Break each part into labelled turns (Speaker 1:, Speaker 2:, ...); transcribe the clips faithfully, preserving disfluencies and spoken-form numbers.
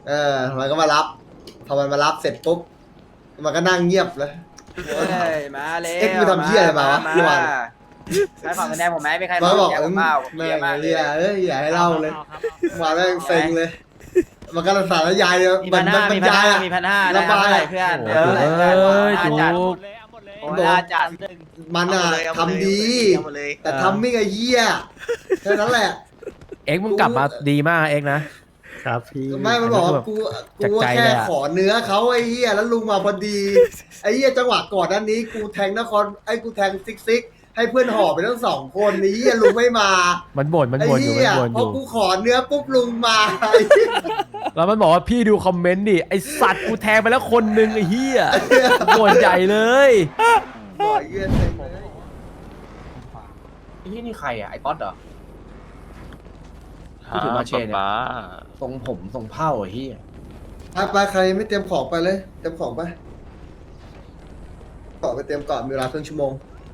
Speaker 1: เออมันก็มารับพอมันมารับเสร็จปุ๊บมันก็นั่งเงียบเลย
Speaker 2: เฮ้ยมาเลย
Speaker 1: เอ็กซ์มึงทำเหี้ยอะไรมาวะเมื่อวาน
Speaker 2: ใครฝั่งกันแดงผมไหมไม่ใคร
Speaker 1: มันบอก
Speaker 2: แดง
Speaker 1: เอ
Speaker 2: ผ
Speaker 1: อ
Speaker 2: มเปล่าผม
Speaker 1: แม่
Speaker 2: เยอะ
Speaker 1: ง
Speaker 2: มากเล
Speaker 1: เรี
Speaker 2: ย
Speaker 1: ยเอ้ยอย่าให้เล่าเลยมาแม่งเซ็งเลย มันก็สารยายเลย
Speaker 2: มี
Speaker 1: มั
Speaker 2: พั
Speaker 1: น
Speaker 2: น
Speaker 1: มั
Speaker 2: ห้าน
Speaker 1: บร
Speaker 2: มี
Speaker 1: ร
Speaker 2: พัน
Speaker 1: ยาย
Speaker 2: ห้า
Speaker 1: อะ
Speaker 2: มีพันห้า
Speaker 1: ระบาย
Speaker 2: เท่าไหร่เพื่อน
Speaker 3: โอ้
Speaker 2: เออ
Speaker 3: โห
Speaker 2: เพื่อน
Speaker 3: เอ้ย
Speaker 2: อา
Speaker 3: จุ
Speaker 2: จัด
Speaker 3: ก
Speaker 2: โอ้ยอาจัด
Speaker 1: มันอะทำดี แต่ทำไม่ไงเหี้ยแค่นั้นแหละ
Speaker 3: เอ็กซ์มึงกลับมาดีมากเอ็กซ์นะ
Speaker 4: ครับพี่
Speaker 1: ไม่มันบอกว่ากู
Speaker 3: จาก
Speaker 1: กู
Speaker 3: ใจ
Speaker 1: แค่
Speaker 3: เลยอะ
Speaker 1: ขอเนื้อเขาไอ้เหี้ยแล้วลุงมาพอดีไอ้เหี้ยจังหวะก่อนนั้นนี้กูแทงนครไอ้กูแทงซิกซิกให้เพื่อนห่อไปทั้งสองคนไอ้เหี้ยลุงไม่มา
Speaker 3: มันบ่นมัน
Speaker 1: ไอ้
Speaker 3: บ่นอยู่
Speaker 1: เหี้
Speaker 3: มั
Speaker 1: ย
Speaker 3: นบ่นอ
Speaker 1: พอยู่ กูขอเนื้อปุ๊บลุงมาไอ้เหี้ย
Speaker 3: แล้วมันบอกว่าพี่ดูคอมเมนต์ดิไอสัตว์กูแทงไปแล้วคนนึงไอ้เหี้ยบ่นใหญ่เลย
Speaker 1: บ่อยเหี้ยเซ็งเลย
Speaker 5: ไอ้ที่นี่ใครอ่ะ ไอ้ต๊อดเหรอที่ถือมาเชนเนี่ยทรงผมทรงเผ้าไอ้ที่
Speaker 1: ไปไปใครไม่เตรียมของไปเลยเตรียมของไปต่อไปเตรียมก่อนมีเวลาครึ่งชั่วโมง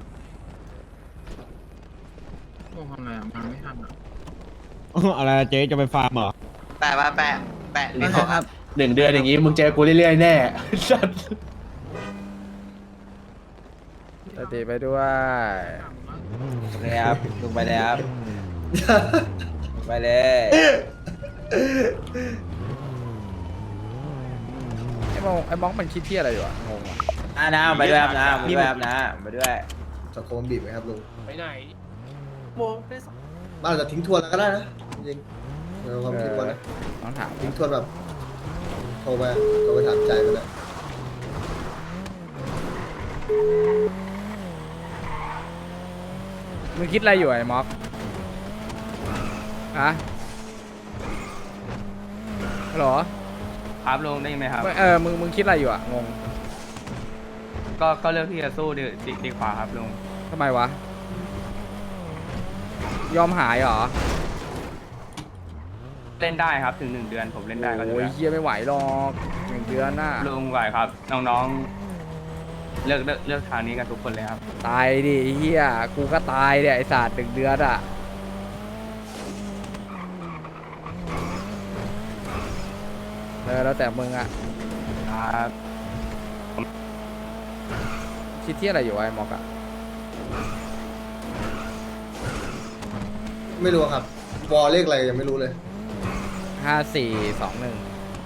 Speaker 4: อะไรเจ๊จะไปฟาร์มเหรอ
Speaker 2: แปะแปะแปะ
Speaker 5: นี่เขาหนึ่งเดือนอย่างงี้มึงเจอกูเรื่อยๆแน่สัตว์
Speaker 3: สติไปด้วย
Speaker 2: โอเคครับลุงไปเลยครับลุงไปเลย
Speaker 6: ไอ้มองไอ้มองมันคิดที่อะไรอยู่อะงงอ่ะ
Speaker 2: อ่านะไปด้วยครับนะไปด้วยครับนะไปด้วย
Speaker 1: สังคมบีบไหมครับลุง
Speaker 5: ไปไหนโมงได้สอง
Speaker 1: บ้านเราจะทิ้งทวนแล้วก็ได้นะจริงๆเราความทิ้งทวนนะ
Speaker 6: ต้องถาม
Speaker 1: ทิ้งทวนแบบโทรไปโทรไปถามใจมันเลย
Speaker 6: มึงคิดอะไรอยู่ไอ้ม็อกอะฮัลโหล
Speaker 7: ครับลุงได้ยินไหมครับ
Speaker 6: มึงเออมึงมึงคิดอะไรอยู่อะงง
Speaker 7: ก็ก็เลือกที่จะสู้ดีดีดีกว่าครับลุง
Speaker 6: ทำไมวะยอมหายเหรอ
Speaker 7: เล่นได้ครับถึงหนึ่งเดือนผมเล่นได้ก็
Speaker 6: โอ้
Speaker 7: เลื
Speaker 6: ย
Speaker 7: อก
Speaker 6: เฮียไม่ไหวหรอกหนึ่งเดือนน่ะ
Speaker 7: ลุงไหวครับ น้องๆ เลือกเลือกเลือกทางนี้กันทุกคนเลยครับ
Speaker 6: ตายดิไอ้เฮียกูก็ตายเนี่ยไอ้ศาสตร์หนึ่งเดือนอะเออแล้วแต่มึงอะ
Speaker 7: ครับ
Speaker 6: คิดที่อะไรอยู่วะไอ้ม็อกอะ
Speaker 1: ไม่รู้ครับวอลเลขอะไรยังไม่รู้เลย
Speaker 6: ห้าสี่สองหนึ่ง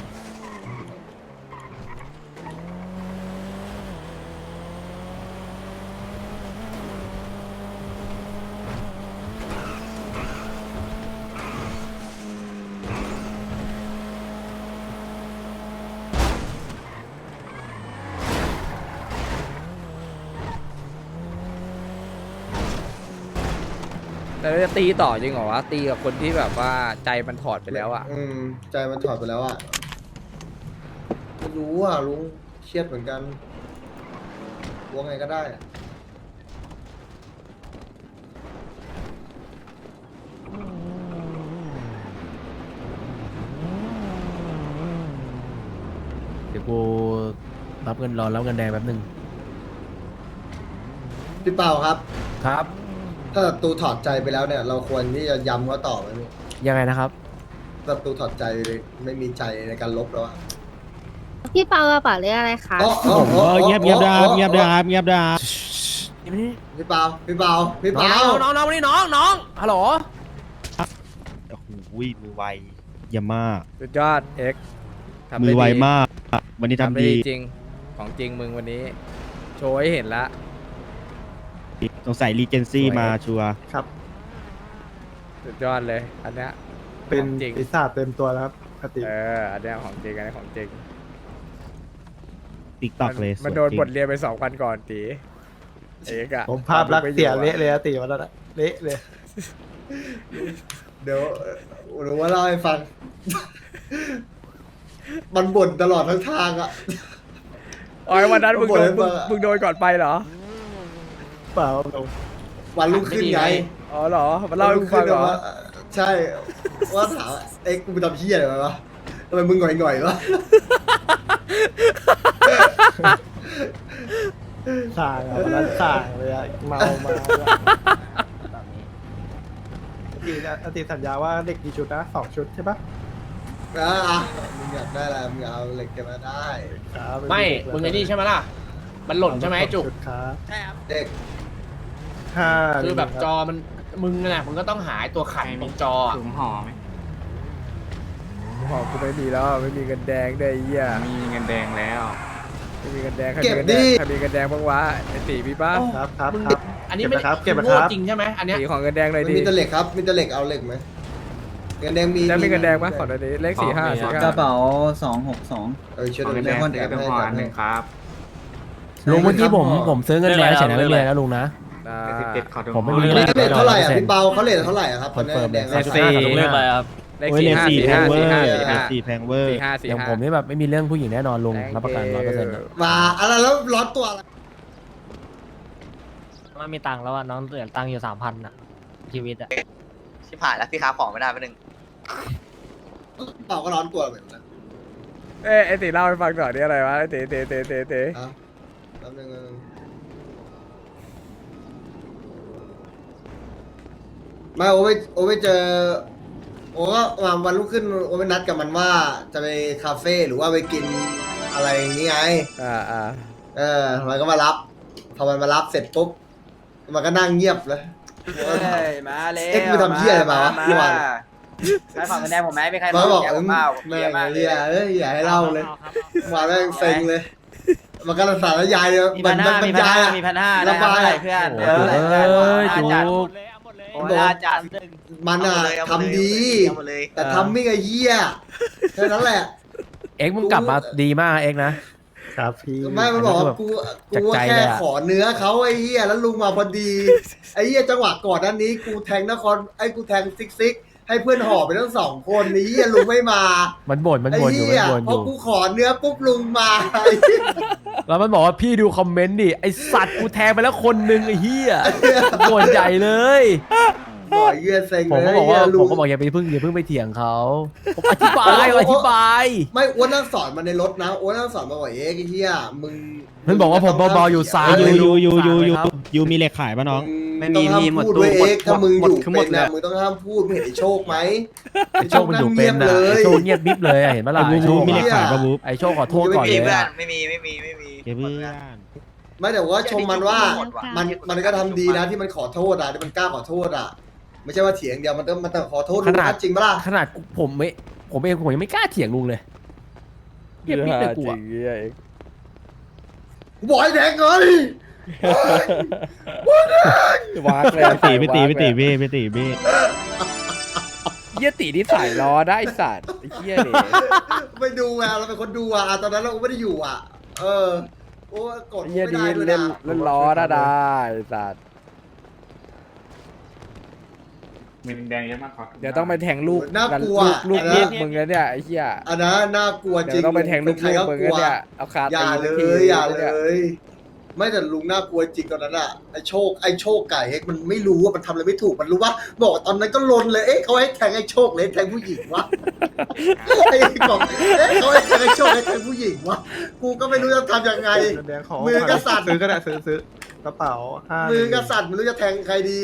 Speaker 6: แต่เราจะตีต่อจริงเหรอวะตีกับคนที่แบบว่าใจมันถอดไปแล้วอะ
Speaker 1: อืมใจมันถอดไปแล้วอ่ะไม่รู้อ่ะลุงเครียดเหมือนกันว่าไงก็ได้อะ
Speaker 3: เดี๋ยวกูรับเงินรอรับเงินแดงแป๊บนึง
Speaker 1: พี่เปาครับ
Speaker 3: ครับ
Speaker 1: ถ้าศัตรูถอดใจไปแล้วเนี่ย เราควรที่จะย้ำเขาต่อไหมพี่
Speaker 3: ยังไงนะครับ
Speaker 1: ศัตรูถอดใจเลยไม่มีใจในการลบแล้วอ่ะ
Speaker 8: พี่เปากระเป๋าเรียกอะไรคะ
Speaker 1: อ๋ออ๋อ
Speaker 4: ผม
Speaker 1: อ๋อ
Speaker 4: ก็เงียบเงียบ
Speaker 1: อ๋
Speaker 4: ดา
Speaker 1: อ
Speaker 4: บเงียบดาบเงียบดาบ
Speaker 1: พี่เปาพี่เปาพี่
Speaker 3: น้
Speaker 1: เปา
Speaker 3: องน้องน้องนี่น้องน้องฮัลโหล
Speaker 4: โอ้โหมือไวเยี่ยมมาก
Speaker 6: สุดยอดเอ็กทำ
Speaker 4: มื
Speaker 6: ได้
Speaker 4: อไว
Speaker 6: ดี
Speaker 4: มาก วันนี้
Speaker 6: ทำ
Speaker 4: ทำ
Speaker 6: ได้
Speaker 4: ดี
Speaker 6: ดีจริงของจริงมึงวันนี้ โชว์ให้เห็นละ
Speaker 4: สงสัยรีเจนซี่มาชัวร์
Speaker 9: ครับ
Speaker 6: สุดยอดเลย อันเนี้ย
Speaker 9: เป็น
Speaker 6: ของจริง
Speaker 9: ปีศาจเต็มตัวแล้วครับปกติ
Speaker 6: เอออันเนี้ยของจริงอันนี้ของจริง
Speaker 4: ติ๊กต็อกเลย
Speaker 6: มัน
Speaker 4: สวย
Speaker 6: โดน
Speaker 4: จริง
Speaker 6: บทเรียนไปสองวันก่อนตีเอกอะ
Speaker 9: ผมภาพลักษณ์เสียเละเลยอะตีวันนั้นอะเละเลย
Speaker 1: เดี๋ยวหรือว่าเล่าให้ฟัง มันบ่นตลอดทั้งทางอ่ะ
Speaker 6: อ๋อวันนั้นมึงโดน
Speaker 1: บ่นให้
Speaker 6: มึ
Speaker 1: ฟั
Speaker 6: ง
Speaker 1: งอะ
Speaker 6: มึงโดนก่อนไปเหรอ
Speaker 9: เปล่าเรา
Speaker 1: วันรุ่งขึ้นไง
Speaker 6: อ๋อเหรอมันเล่าให้กูฟังเหรอ
Speaker 1: ว่าใช่ว่าถามว่าเอ็กซ์กูไปทำเพี้ยอะไรมาวะทำไมมึงหง่อยๆวะ
Speaker 9: ส่างอะวันนั้นส่างเลยอะเมามาอติอติสัญญาว่าเด็กกี่ชุดนะสองชุดใช่ปะ
Speaker 1: อ่ะอ่ะมึงอย่าากได้อะไรมึงเอาเหล็กเก็บมาได้
Speaker 9: ครับ
Speaker 5: ไม่ มึงไอ้นี่ใช่ไหมล่ะ มันหล่นใช่ไหมจุก
Speaker 9: ชุดครับ
Speaker 6: ใช่ครับ
Speaker 1: เด็ก
Speaker 9: ห้า
Speaker 5: คือแบบจอมัน มึงน่ะมึงก็ต้องหาไอ้ตัวขันตรงจออะ
Speaker 7: ถุงห่อไหม
Speaker 6: ของกูไม่มีแล้วไม่มีเงินแดงได้วยไอ้เหี้ย
Speaker 7: มีเงินแดงแล้ว
Speaker 6: ไม่มีเงินแดงใคร
Speaker 1: เก็
Speaker 6: มี
Speaker 1: บ
Speaker 6: เงินแด
Speaker 1: ดิ
Speaker 6: งใครมีเงินแดงบ้างวะไอ้ตีพี่ป้า
Speaker 9: ครับครับ
Speaker 5: มึง
Speaker 9: ครับ
Speaker 5: อันนี้ไม่
Speaker 9: เก็บนะครับเก็บนะ
Speaker 5: โง่
Speaker 9: ครับ
Speaker 5: จริงใช่ไหมอันเนี้ย
Speaker 6: ตีของเงินแดงหน่อย
Speaker 1: มัน
Speaker 6: ดิ
Speaker 1: มีแต่เหล็กครับมีแต่เหล็กเอาเหล็กไหมเงินแดงมี
Speaker 6: แล้วมีเงินแดงปะขอหน่อยดิเลขสี่ห้าสี่ห้าก
Speaker 10: ระเป๋าสองหกสอง
Speaker 1: เออช่วย
Speaker 7: ขอ
Speaker 1: ดู
Speaker 7: เงิน
Speaker 1: แล
Speaker 7: แดง
Speaker 1: คน
Speaker 7: ซื้
Speaker 1: แอ
Speaker 7: อบ เป็น
Speaker 1: ให้
Speaker 7: ห่อ
Speaker 1: แอ
Speaker 7: อั
Speaker 1: บ
Speaker 7: นห
Speaker 1: ให้
Speaker 7: นึ่งครับ
Speaker 3: ลุงเมื่อกี้ผมผมซื้อเงินแดงเฉยนะไม่มีอะไรนะลุงนะ
Speaker 6: อ่า
Speaker 7: เด็ดขอถุง
Speaker 3: ผมไม่
Speaker 7: ห่อ
Speaker 3: มี
Speaker 1: เลขเท่าไหร่อ่ะพี่เปาเขาเลทเท่าไหร่อ่ะครับ
Speaker 3: คอนเฟิร์ม
Speaker 1: แดง
Speaker 3: เลขสี่ลุงเลขอะไรครับ
Speaker 6: เลข
Speaker 4: โอ้ย
Speaker 6: สี่
Speaker 4: เลข
Speaker 6: ห้า
Speaker 4: สี่
Speaker 6: สี่
Speaker 4: แพ
Speaker 6: ห้าง
Speaker 4: เวอ
Speaker 6: สี่ห้า
Speaker 4: ร์
Speaker 6: สี่ห้า
Speaker 4: สี่แพงเวอร์
Speaker 6: สี่ห้าสี่
Speaker 3: อย่าง
Speaker 6: ห้า
Speaker 3: ผมนี่แบบไม่มีเรื่องผู้หญิงแน่นอนลุง
Speaker 6: Thank
Speaker 3: รับประกันร้อยเปอร์เซ็นต์
Speaker 6: you
Speaker 1: มาอะไรแล้วร้อนตัวอะไร
Speaker 10: ว่ามีตังค์แล้วอ่ะน้องเหลือตังค์อยู่สามพันอ่ะชีวิตอ่ะ
Speaker 11: ชิบหายแล้วพี่ค้าของไม่ได้ไปหนึ่ง
Speaker 1: เปาก็ร้อนตัวเหมือนกัน
Speaker 6: เอ้ยไอ้ตีเล่าให้ฟังหน่อยนี่อะไรวะไอ้ตีตีตีตีตี
Speaker 1: อ่ะแป๊บนึงนะไม่โอไปโอไปเจอโอก็มาวันรุ่งขึ้นโอไปนัดกับมันว่าจะไปคาเฟ่หรือว่าไปกินอะไรอย่างงี้ไง
Speaker 6: อ่าอ่า
Speaker 1: เออ มันก็มารับ พอมันมารับเสร็จปุ๊บ มันก็นั่งเงียบเลย
Speaker 2: เฮ้ยมาเลย
Speaker 1: เอ็กซ์มึงทำเหี้ยอะไรมาวะเมื่อวาน
Speaker 2: ใครขอเงินแดงผมไหมไม่ใคร
Speaker 1: มันก็บอก
Speaker 2: เงินแดง
Speaker 1: เอ
Speaker 2: ผ
Speaker 1: อ
Speaker 2: มเปล่า
Speaker 1: แม่
Speaker 2: เยอะ
Speaker 1: ง
Speaker 2: มากเล
Speaker 1: เรีย
Speaker 2: ย
Speaker 1: เอ้ยอย่าให้เล่าเลยมาแม่งเซ็งเลย มันก็สารยายเลย
Speaker 2: มี
Speaker 1: มั
Speaker 2: พั
Speaker 1: น
Speaker 2: น
Speaker 1: มั
Speaker 2: ห้าน
Speaker 1: บร
Speaker 2: มี
Speaker 1: ร
Speaker 2: พัน
Speaker 1: ยาย
Speaker 2: ห้า
Speaker 1: อะ
Speaker 2: มีพันห้า
Speaker 1: ระบาย
Speaker 2: ได้เพื่อน
Speaker 3: โอ้
Speaker 2: เออ
Speaker 3: โหเอ้ย
Speaker 2: น่า
Speaker 3: จุ
Speaker 2: จัด
Speaker 3: ก
Speaker 2: โอ้ยน่าจัด
Speaker 1: มันอะ
Speaker 11: เอา
Speaker 1: ทำ
Speaker 11: มาเลย
Speaker 1: ดี
Speaker 11: เอามาเลย
Speaker 1: แต่ทำไม่ไงเหี้ยแค่นั้นแหละ
Speaker 3: เอ็กซ์มึงกลับมาดีมากเอ็กซ์นะ
Speaker 9: ครับพี่
Speaker 1: ไม่มันบอกว่ากู
Speaker 3: จาก
Speaker 1: กู
Speaker 3: ใจ
Speaker 1: แค่
Speaker 3: เลยอะ
Speaker 1: ขอเนื้อเขาไอ้เหี้ยแล้วลุงมาพอดี ไอ้เหี้ยจังหวะก่อนนั้นนี้ กูแทงนครไอ้กูแทงซิกซิกให้เพื่อนห่อไปทั้งสองคนนี้เหี้ยลุงไม่มา
Speaker 3: มันบ่นมัน
Speaker 1: ไอ้
Speaker 3: บ่นอยู่
Speaker 1: เหี้
Speaker 3: มั
Speaker 1: ย
Speaker 3: นบ่นอ
Speaker 1: พอยู่ กูขอเนื้อปุ๊บลุงมาไอ้เหี้ย
Speaker 3: แล้วมันบอกว่าพี่ดูคอมเมนต์ดิไอสัตว์กูแทงไปแล้วคนหนึงไอ้เหี้ยบ่นใหญ่เลย
Speaker 1: บอกไอ้เหี้ยเซ็ง
Speaker 3: ผม
Speaker 1: เลย
Speaker 3: ก็บอกว่า
Speaker 1: ไเหี้ยลุ
Speaker 3: ผม
Speaker 1: ง
Speaker 3: ก็บอกอย่าไปพึ่งอย่าพึ่งไปเถียงเขาผมอธิบายอธิบาย
Speaker 1: ไม่อ้วนนั่งสอนมาในรถนะอ้วนนั่งสอนมาบอกเอ๊ะไอ้เหี้ยมึง
Speaker 3: มันบอกว่าผมเบาๆอยู่ซ้าย
Speaker 4: ยู
Speaker 3: เลย
Speaker 4: ยูยูยูยู
Speaker 3: ครับ
Speaker 4: ยูมีเหล็กขายป่ะน้อง
Speaker 1: ไม่มีมีหมดตู้เอ็กถ้ามึงอยู่เป็นนะมึงต้องห้ามพูดมึงเห็นไอ้โชคไหม
Speaker 3: ไอโชคมันอยู่เป็นนะไอโชคเงียบบิ๊บเลยอะเห็นปะล่ะ
Speaker 4: ไอ้
Speaker 3: ไอโช
Speaker 4: บู
Speaker 3: ค
Speaker 4: บูมีเหล็กขายป่ะบู
Speaker 3: ไอโชคขอโทษ
Speaker 11: ไม่
Speaker 3: ก่อน
Speaker 11: มี
Speaker 3: เลย
Speaker 11: เพื่อน
Speaker 3: อะ
Speaker 11: ไม่มีไม่มีไม่มี
Speaker 4: เก็บเพื่อน
Speaker 1: ไม่แต่ว่าชมมันว่ามันมันก็ทำดีนะที่มันขอโทษอ่ะที่มันกล้าขอโทษอ่ะไม่ใช่ว่าเถียงเดียวมันต้องมันต้องขอโทษลุงนะจริงปะล่ะ
Speaker 3: ขนาดกูผมไม่ผมเองผมยังไม่กล้าเถียงลุงเลยเงียบบิ๊บเลยกู
Speaker 6: จริ
Speaker 3: อะ
Speaker 6: งเหี้ยเอง
Speaker 1: กูบอกให้แดงเงิน
Speaker 6: วากเลย
Speaker 4: ไปตีไปตีไปตีเบ้ไปตีเบ้
Speaker 6: เหี้ยตีที่ใส่ล้อได้ไอ้สัตว์ไอ้เหี้ยนี่
Speaker 1: ไปดูอ่ะเราเป็นคนดูอ่ะตอนนั้นเราไม่ได้อยู่อ่ะ เออโอ้กด
Speaker 6: ไอ้เหี้ย
Speaker 1: ไม่
Speaker 6: ดี
Speaker 1: ได้ด้วย
Speaker 6: เล่น
Speaker 1: นะ
Speaker 6: เล่นล้อได้ได้ไอ้สัตว์
Speaker 7: มีเงินแดงเยอะมากขอถุง
Speaker 6: เดี๋ยวต้องไปแทงลูก
Speaker 1: น่า
Speaker 6: กัน
Speaker 1: กลัว
Speaker 6: ลูกลูก
Speaker 1: อัน
Speaker 6: ลู
Speaker 1: นั้น
Speaker 6: กมึงแล้วเนี่ยไอ้เหี้ย
Speaker 1: อันนั้นน่ากลัวจ
Speaker 6: เดี๋
Speaker 1: ริ
Speaker 6: ย
Speaker 1: ง
Speaker 6: วต้องไปแทงลูก
Speaker 1: ใคร
Speaker 6: ลูก
Speaker 1: ก็
Speaker 6: มึง
Speaker 1: กลั
Speaker 6: แล้ว วเนี่ยเอาคา
Speaker 1: อย่า
Speaker 6: ตี
Speaker 1: เล
Speaker 6: ที
Speaker 1: ยอย่าเล
Speaker 6: นี่
Speaker 1: ย ไม่แต่ลุงน่ากลัวจริงตอนนั้นอ่ะไอโชคไอโชคไก่เฮกมันไม่รู้ว่ามันทำอะไรไม่ถูกมันรู้ว่าบอกตอนนั้นก็ลนเลยเอ๊ะเขาให้แทงไอโชคเลยแทงผู้หญิงวะไอ้บอกเอ๊ะเขาให้แทงไอโชคให้แทงผู้หญิงวะกูก็ไม่รู้จะทำยังไง
Speaker 9: เงินแดงขอ
Speaker 1: มือกษัตริย์
Speaker 9: ซื้อก็ได้ซื้อซื้อกระเป๋าห้า
Speaker 1: มือกษัตริย์ไม่รู้จะแทงใครดี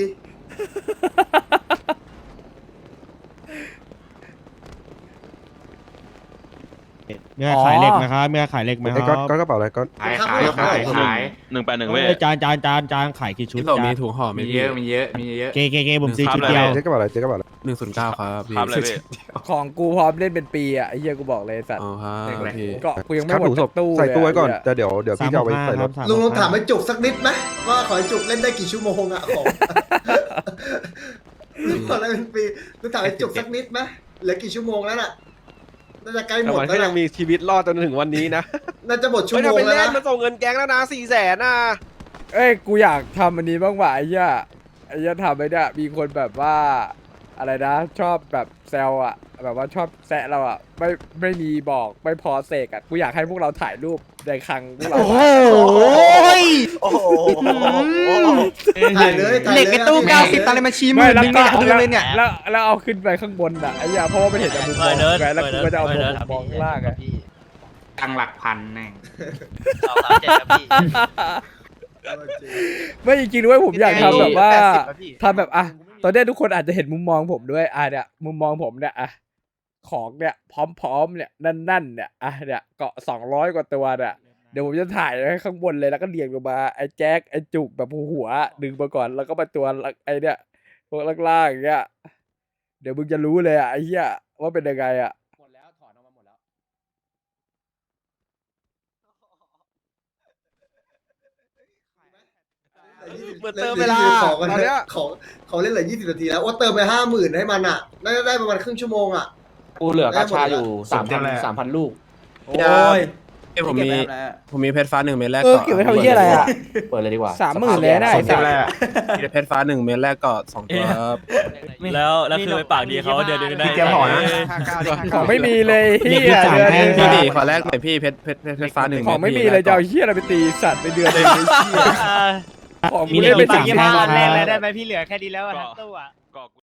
Speaker 4: มีใครขายเหล็กไหมครับมีใครขายเหล็กไหมครับ
Speaker 9: ก็กระเป๋าอะไรก็
Speaker 7: ขายขายขายขาย
Speaker 10: หนึ่งแปดหนึ่งเว้
Speaker 4: เอ้ยจานจานจานจานขายกี่ชุดจาน
Speaker 7: มีเยอะมีเยอะมีเยอะ
Speaker 4: เกเกเกผมซื้อชุดเดียว
Speaker 9: เจ๊กระเป๋าอะไรเจ๊กระเป๋าอะไร
Speaker 3: หนึ่งศูนย์เก้าครับพี่
Speaker 10: ครับเลยพี่
Speaker 6: ของกูพร้อมเล่นเป็นปีอ่ะไอ้เหี้ยกูบอกเลยไอ้สัตว์
Speaker 3: อ๋อครับพี่
Speaker 6: เกาะกูยังไม่หมดจากตู้
Speaker 9: ใส่ตู้ไว้ก่อน
Speaker 6: เลยะ
Speaker 9: แต่เดี๋ยวเดี๋ยวพี่จะเอาไปใส่รถ
Speaker 1: ลุงลองถามไอ้จุกสักนิดไหมว่าขอไอ้จุกเล่นได้กี่ชั่วโมงอะของลุงขอเล่นเป็นปีลุงถามไอ้จุกสักนิดไหมเหลือกี่ชั่วโมงแล้วน่ะน่าจะใกล้หมด
Speaker 9: มัน
Speaker 1: แล้
Speaker 9: ก็
Speaker 1: ว
Speaker 9: ยั
Speaker 1: นะ
Speaker 9: งมีชีวิตรอดจนถึงวันนี้นะ
Speaker 1: น่าจะหมดชั่ว
Speaker 9: ไม่
Speaker 1: โม
Speaker 9: ทำ
Speaker 1: ง
Speaker 9: ไป
Speaker 1: แล้ว
Speaker 9: เล่น
Speaker 1: นะ
Speaker 9: มันส่งเงินแก๊งแล้วนะสี่แสนน่ะ
Speaker 6: เอ้ยกูอยากทำอันนี้บ้างว่ะไอ้เหี้ยไอ้เหี้ยทำไปเนี่ยมีคนแบบว่าอะไรนะ ชอบแบบแซวอ่ะ แบบว่าชอบแซะเราอ่ะไม่ไม่มีบอกไม่พอเสกอ่ะกูอยากให้พวกเราถ่ายรูปในคลังพวกเรา
Speaker 4: โอ้โห
Speaker 11: โอ้โห
Speaker 1: ถ่ายเลยถ่ายเลย
Speaker 11: เหล็กไอ้ตู้เก้าสิบตังค์เลยมาชี้มือ
Speaker 6: แล้ว
Speaker 11: มึง
Speaker 6: ก็
Speaker 11: เนี่ยเอาเลยเนี่ย
Speaker 6: แล้วแล้วเอาขึ้นไปข้างบนอ่ะไอ้เหี้ยเพราะว่ามันเห็นจากมุมมองไงแล้วกูก็จะเอามุมมองข้างล่างไง
Speaker 7: ตังหลักพันแน่
Speaker 11: สองสามเจ็ดครับพี่
Speaker 6: ไม่จริงๆด้วยผมอยากทำแบบว่า
Speaker 11: แปดสิบครับพี่
Speaker 6: ทำแบบอ่ะตอนเนี้ยทุกคนอาจจะเห็นมุมมองผมด้วยอ่ะเนี่ยมุมมองผมเนี่ยอ่ะของเนี่ยพร้อมๆเนี่ยนั่นๆเนี่ยอ่ะเนี่ยเกาะสองร้อยกว่าตัวเนี่ยเดี๋ยวผมจะถ่ายไว้ข้างบนเลยแล้วก็เรียงลงมาไอ้แจ็คไอ้จุกแบบหัวดึงมาก่อนแล้วก็มาตัวไอ้เนี่ยพวกล่างๆอย่างเงี้ยเดี๋ยวมึงจะรู้เลยอ่ะไอ้เหี้ยว่าเป็นยังไงอ่ะ
Speaker 3: หมดแล้วถอนออกมาหมดแล้ว
Speaker 9: เหมือนเติมเวลา
Speaker 1: ของกัน
Speaker 9: ตอนเนี้ย
Speaker 1: ของของเล่นเหลือยี่สิบนาทีแล้วว่าเติมไปห้าหมื่นให้มันอ่ะน่าจะได้ประมาณครึ่งชั่วโมงอ่ะ
Speaker 5: กูเหลือกาชาอยู่สามพันสามพันลูก
Speaker 2: โอ้ย
Speaker 9: ผมมี
Speaker 2: เก็บไว้ทำอะไรอะ
Speaker 9: ผมมีเพชรฟ้าหนึ่งเม็ดแรก
Speaker 6: เออ
Speaker 9: เกาะ
Speaker 6: เก็บไว้ทำเหี้ยอะไรอ่ะ
Speaker 3: เปิดเลยดีกว่า
Speaker 6: สามหมื่นเลยนะไอ้สัตว์
Speaker 9: มีเพชรฟ้าหนึ่งเม็ดแรกเกาะสองตัวครับ
Speaker 10: แล้วแล้วคือไปปากดีเขาเดือนนึงได้
Speaker 5: พี่เตรียมห่อนะ
Speaker 6: ของไม่มีเลยเฮียเดือนนึง
Speaker 9: พี่
Speaker 6: อะ
Speaker 9: ดิขอแรกหน่อยพี่เพชรเพชรเพชรเพชรฟ้าหนึ่ง
Speaker 6: ของไม่มีเลยจะเอาเฮียอะไรไปตีสัตว์ไปเดือนนึงไอ้เฮียของกูเล่นไปสามพัน
Speaker 10: เล่นเลยได้ไหมพี่เหลือแค่นี้แล้วทั้งตู้อ่ะ